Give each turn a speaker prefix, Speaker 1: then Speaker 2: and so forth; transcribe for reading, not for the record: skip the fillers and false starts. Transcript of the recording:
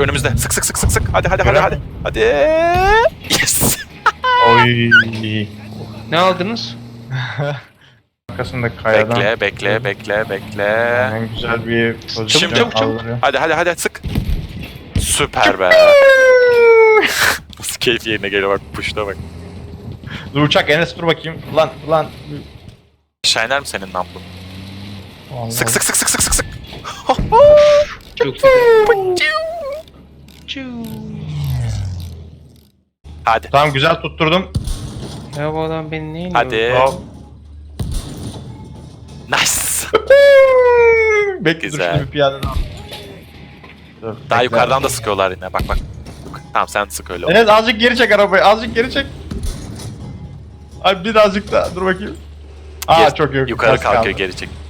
Speaker 1: önümüzde. Sık sık sık sık sık. Hadi hadi hadi
Speaker 2: Gören
Speaker 1: hadi.
Speaker 2: mi?
Speaker 1: Hadi. Yes.
Speaker 2: Oy.
Speaker 3: Ne aldınız?
Speaker 2: Arkasında kayadan.
Speaker 1: Bekle.
Speaker 2: Yani güzel bir pozisyon
Speaker 1: Çabuk.
Speaker 2: aldırıyor.
Speaker 1: Hadi sık. Süper be. Nasıl keyif yerine geliyor bak, puşta bak.
Speaker 2: Dur uçak Enes dur bakayım. Lan.
Speaker 1: Shiner mi senin nampun?
Speaker 2: Vallahi.
Speaker 1: Sık.
Speaker 3: Çok güzel.
Speaker 1: Hadi.
Speaker 2: Tamam güzel tutturdum.
Speaker 3: Ya bu adam beni neyle
Speaker 1: Hadi.
Speaker 2: Hop.
Speaker 1: Nice.
Speaker 2: Bekle dur
Speaker 1: Güzel.
Speaker 2: şimdi bir piyade daha. Dur,
Speaker 1: Daha
Speaker 2: bekle.
Speaker 1: yukarıdan da sıkıyorlar yine. Bak. Tamam sen sık öyle.
Speaker 2: Enes azıcık geri çek arabayı. Azıcık geri çek. Ay birazcık daha dur bakayım. Aa çok yok.
Speaker 1: Yukarı
Speaker 2: Az
Speaker 1: kalkıyor,
Speaker 2: kaldı.
Speaker 1: geri çek.